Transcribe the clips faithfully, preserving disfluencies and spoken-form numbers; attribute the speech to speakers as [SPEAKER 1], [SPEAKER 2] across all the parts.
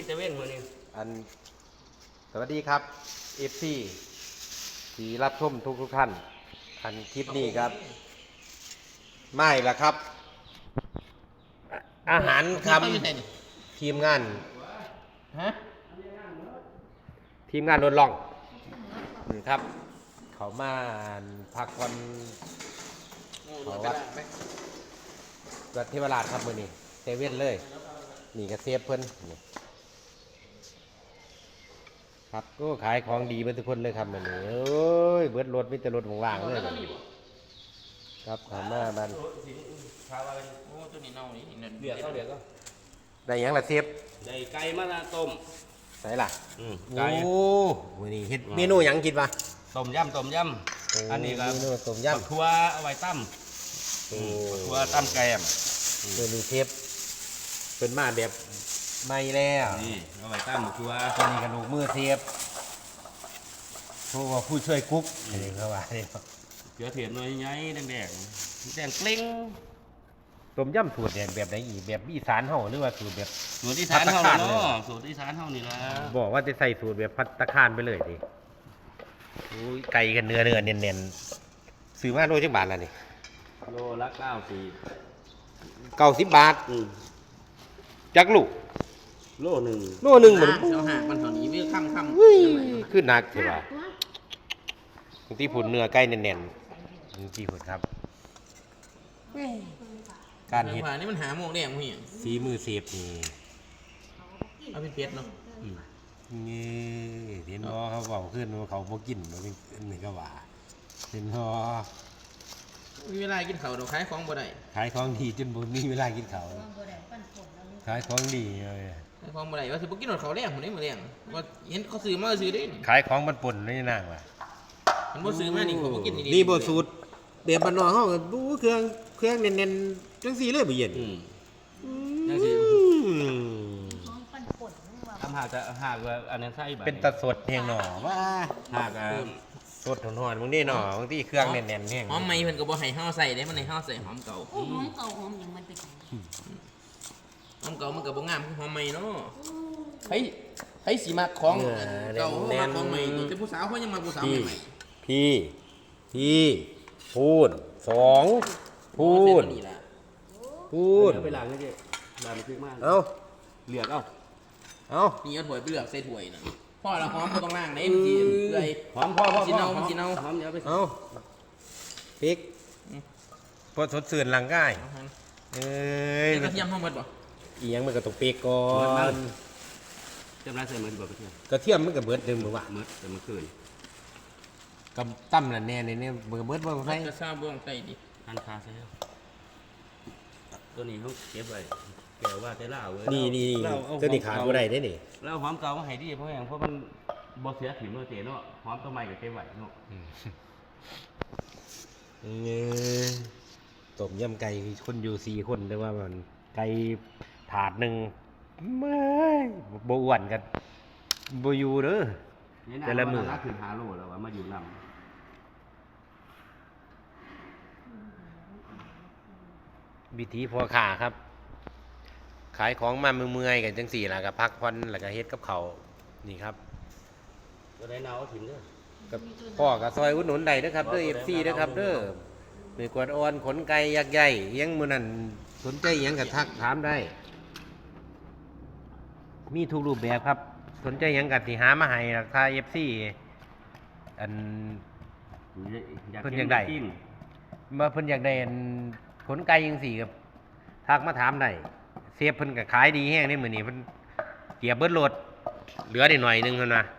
[SPEAKER 1] ตเว่นมื้อนี้
[SPEAKER 2] อันสวัสดีครับ เอฟ ซี ที่รับชมทุกทุกท่านอันคลิปนี้ครับไม่ละครับ อาหารคำทีมงาน
[SPEAKER 3] ฮะ
[SPEAKER 2] ทีมงานรถล่องนี่ครับ เขามาพักวันเขาวัดวัดเทวราชครับมื้อนี้เซเว่นเลยนี่ก็เซฟเพิ่นนี่ครับก็ขายของดีเบิดทุกคนเลยครับมื้อนี้เอ้ยเบิดรถมีแต่รถว่างๆเลยบัดนี้ครับเขามาบ้าน
[SPEAKER 3] ชาวอะไรโอ้ตัวนี้เน่านี่
[SPEAKER 1] เดือดก็เดือดก็
[SPEAKER 2] ได้หยังล่ะเซฟ
[SPEAKER 1] ได้ไก่มาต้ม
[SPEAKER 2] ใส่ล่ะ
[SPEAKER 1] อืม
[SPEAKER 2] โอ้
[SPEAKER 1] ไก่
[SPEAKER 2] มื้อนี้เฮ็ดเมนูหยังกินวะ
[SPEAKER 1] ต้มยำต้มยำอันนี้ก็
[SPEAKER 2] เมนูต้มยำ
[SPEAKER 1] บักทั่วเอาไว้ตั้ม
[SPEAKER 2] โอ้
[SPEAKER 1] บักทั่วตั้มแกม
[SPEAKER 2] เมนูเทปเป็นมาแบบใหม่แล้ว
[SPEAKER 1] นี่เอาไว้ตั้มบักทั่ว
[SPEAKER 2] ตอนนี้กระดูกมือเทปเพราะว่าผู้ช่วยกุ๊กอะไรเขาว่าเนี่ย
[SPEAKER 1] เกลือเทียมหน่อยใหญ่แดงแดงแดงเกลิ้ง
[SPEAKER 2] ต้มยำสูตรเนี่ยแบบไหนอีกแบบอีสานเฮาหรือว่าสูตรแบบ
[SPEAKER 1] สูตรที่สานเท่านี่เนาะสูตรที่สานเท่านี่ละ
[SPEAKER 2] บอกว่าจะใส่สูตรแบบพัตตาคารไปเลยดิอุ้ยไก่กันเนื้อเนื้อเน้นๆซื้อมาโลจักบาทละนี่
[SPEAKER 1] โลละเก้าสี่
[SPEAKER 2] เก้าสิบบาท
[SPEAKER 1] อืม
[SPEAKER 2] จักลูก
[SPEAKER 1] โลหนึ่ง
[SPEAKER 2] โลหนึ่งเหมือน
[SPEAKER 3] เจ้าหากมันเท่านี้ไม่ค่ำค่ำ
[SPEAKER 2] อุ้ยขึ้นหนักใช่ป่ะบางทีผุนเนื้อไก่แน่นๆบางทีผุนครับ การเห็ด
[SPEAKER 3] ผ่านนี่มันหาโมงแดงมั้งเหี้ย
[SPEAKER 2] สีมือเสียบนี่
[SPEAKER 3] เอาเป็นเป็ดเนาะ
[SPEAKER 2] นี่เห็นบ่เขาบอกขึ้นว่าเขาบ่กินบ่เป็นนี่ก็ว่าเห็นบ่
[SPEAKER 3] มีเวลากินข้าวดอกขายของบ่ได้
[SPEAKER 2] ขายของดีจนบ่มีเวลากินข้าวขายของดีเลย
[SPEAKER 3] ขายของบ่ได้ว่าสิบ่กินดอกข้าวแดงมื้อนี้มื้อแดงว่าเห็นเขาซื้อมาซื้อได้
[SPEAKER 2] ขายของมันป่นนี่นางว่ะ
[SPEAKER 3] มันบ่ซื้อมานี่เขาบ่กินนี่
[SPEAKER 2] นี่บ่สูตรเดี๋ยวบ้านนอกเฮาก็ดูเครื่องเครื่องแน่นๆจังซี่เลยบ่เย็น
[SPEAKER 1] อืมยังสิ
[SPEAKER 2] อืม
[SPEAKER 1] ทำหากจะหากว่าอันนั้นใส่แบบ
[SPEAKER 2] เป็นตะสดแฮงหน่อว่า
[SPEAKER 1] หากอ่ะ
[SPEAKER 2] สดหอนๆบางทีหน่อบางทีเครื่องแน่นๆแฮง
[SPEAKER 3] หอมใหม่เพิ่นก็บ่ให้เฮาใส่เด้มันให้เฮาใส่หอมเก่า
[SPEAKER 4] โอ้หอมเก่าหอมอย่างมันเป็นไง
[SPEAKER 3] หอมเก่ามันก็บ่งามคือหอมใหม่เนาะเฮ้ยเฮ้ยสิมักของเก่าเขามักของใหม่แต่ผู้สาวเขายังมาผู้สาวใหม่
[SPEAKER 2] พี่พี่พูดสองพูด
[SPEAKER 3] นี่ล่ะ
[SPEAKER 2] พูด
[SPEAKER 1] ไปล้างนี่ดิล้างมันคือมาก
[SPEAKER 2] เอา
[SPEAKER 1] เหลือกเอ้า
[SPEAKER 2] เอา
[SPEAKER 3] นี่เอาถ้วยไปเลือกใส่ถ้วยน่ะพ่อละหอมบ่ต้องล้างเด้มันสิเปื่อย
[SPEAKER 1] หอมพ่อพ่อ
[SPEAKER 3] สิเนามันสิเนา
[SPEAKER 1] หอมเดี๋ยวไป
[SPEAKER 2] เอาพริกพอสดสื่นหลังง่าย
[SPEAKER 3] เอาหั่น
[SPEAKER 2] เอ้ย
[SPEAKER 3] นี่กระเทียมเฮาหมดบ่
[SPEAKER 2] อีหยังมันก็ต้องเปีกก่อน
[SPEAKER 1] เต็มร้านเสร็จมันบอกไปเที่ยว
[SPEAKER 2] กระเทียมมันก็เบิดเดิมมือว่า
[SPEAKER 1] มืดแต่มันคืน
[SPEAKER 2] กับตั้มน่ะแน่ในนี้มันก็เบิดบ่ไผ
[SPEAKER 3] กระซ่าเบื้องใต้ดิ
[SPEAKER 1] อันคาใช่ไหมตัวนี้เขาเก็บไว้แกว่าแต่ล่าเว้ย
[SPEAKER 2] นี่นี่
[SPEAKER 1] เราเอา
[SPEAKER 2] ตัวนี้ขาดบ่ได้เด้นี่
[SPEAKER 1] แล้วหอมเก่ามาให้ดีเพราะอย่างเพราะมันบ่เสียถิ่นเนาะเจ๊เนาะหอมตัวใหม่ก็เก็บไว้เนาะ
[SPEAKER 2] เออต้มยำไก่คนอยู่สี่คนแต่ว่ามันไก่ถาดหนึงไม่บ่อ้วนกันบ่อยู่เด้อ แต่ละมื้อ
[SPEAKER 1] นักถึงหาโลแล้วว่ามาอยู่นำ
[SPEAKER 2] วิธีพอขาครับ ขายของมาเมื่อยๆกันจังสี่ล่ะกับพักผ่อนแล้วก็เฮ็ดกับเขาวนี่ครับ
[SPEAKER 1] ก็ได้เนาถิ่นเด้อ
[SPEAKER 2] กับพ่อกับซอยอุดหนุนได้นะครับเด้อ เอฟ ซี นะครับเด้อมีกวดอ่อนขนไก่ยักษ์ใหญ่เลี้ยังมื้อนั้นสนใจอิหยังก็ทักถามได้ มีทุกรูปแบบครับ สนใจอิหยังก็สิหามาให้ราคา เอฟ ซี อัน เพิ่นอยากได้
[SPEAKER 1] กิน
[SPEAKER 2] มาเพิ่นอยากได้อันขนไก่จังซี่ก็ทักมาถามได้เสียบเพิ่นก็ขายดีแฮงในมื้อนี้เพิ่นเกียบเบิดโหลดเหลือได้หน่อยนึงเพิ่นว่า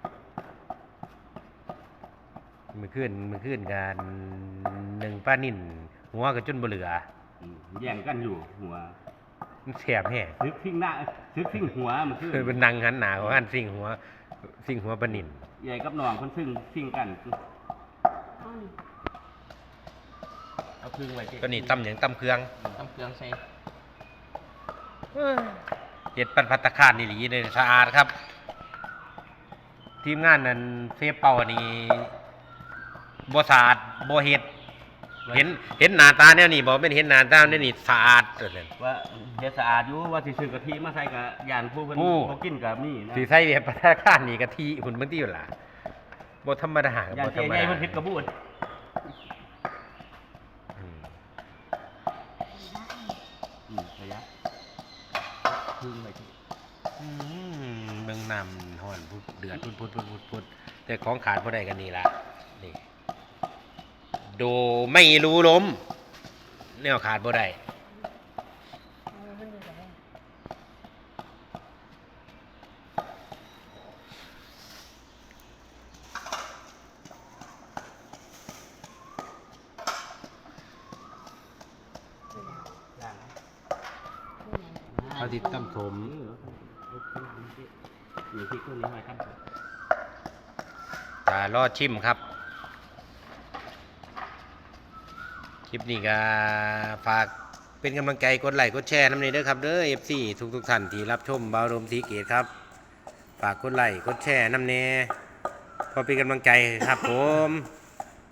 [SPEAKER 2] มื้อคืนมื้อคืนกันหนึ่งป้านิ่นหัวก็จนบ่เหลือ
[SPEAKER 1] อืมแย่งกันอยู่หัว
[SPEAKER 2] มันแซ่บแฮง
[SPEAKER 1] ซึกทิ้งหน้าซึกทิ้งหัวมันคือ
[SPEAKER 2] เคยเป็นนั่งหันหน้าของอันสิ่งหัวสิ่งหัวป้านิ่น
[SPEAKER 1] ใหญ่กับน้องคนซึ่งซิ่งกันเอาพึ่งไว้
[SPEAKER 2] ก็นี่ตำหยังตำเครื่อง
[SPEAKER 3] ทำเครื่องใส่
[SPEAKER 2] เฮ็ดปันภัตตาคารนี่หลีเลยสะอาดครับ ทีมงานนั้นเซฟเป่านี่บ่สะอาดบ่เฮ็ดเห็นเห็นหน้าตาแนวนี้บ่แม่นเห็นหน้าตาแนวนี้สะอาดเด้อนั่น
[SPEAKER 1] ว่าเฮ็ดสะอาดอยู่ว่าสิซื้อกะทิมาใส่กับยานผู้เพิ่นบ่กินก็มีนะ
[SPEAKER 2] สีใส่เบียร์ประทาข้านนี่กะทิหุ่นมันที่อยู่ล่ะบ่ธรรมดาครับ
[SPEAKER 1] ยาน
[SPEAKER 2] บ่ธร
[SPEAKER 1] เจ๊
[SPEAKER 2] รม
[SPEAKER 1] ใหญ่
[SPEAKER 2] ดา
[SPEAKER 1] เพิ่นผิดกระบูด
[SPEAKER 2] อืม
[SPEAKER 1] อืมระยะพึ่งไปที่
[SPEAKER 2] อืมเบิ่งน้ำฮ้อนพุดเดือดพุดพุดพุดพุดพุดแต่ของขาดบ่ได้กันนี่ล่ะนี่โดไม่รู้ล้มแนวขาดบ่ได้
[SPEAKER 1] ย่าง
[SPEAKER 2] เขาติดตั้มถม
[SPEAKER 1] โอเคอยู่ที่เครื่องนี้ไว้ครับ
[SPEAKER 2] ตารอดชิมครับ คลิปนี้ก็ฝากเป็นกำลังใจกดไลค์กดแชร์น้ำนี้ด้วยครับเด้อ เอฟ ซี ทุกทุกๆท่านที่รับชมบาวรมสีเกตครับ ฝากกดไลค์กดแชร์น้ำเน่พอเป็นกำลังใจครับผม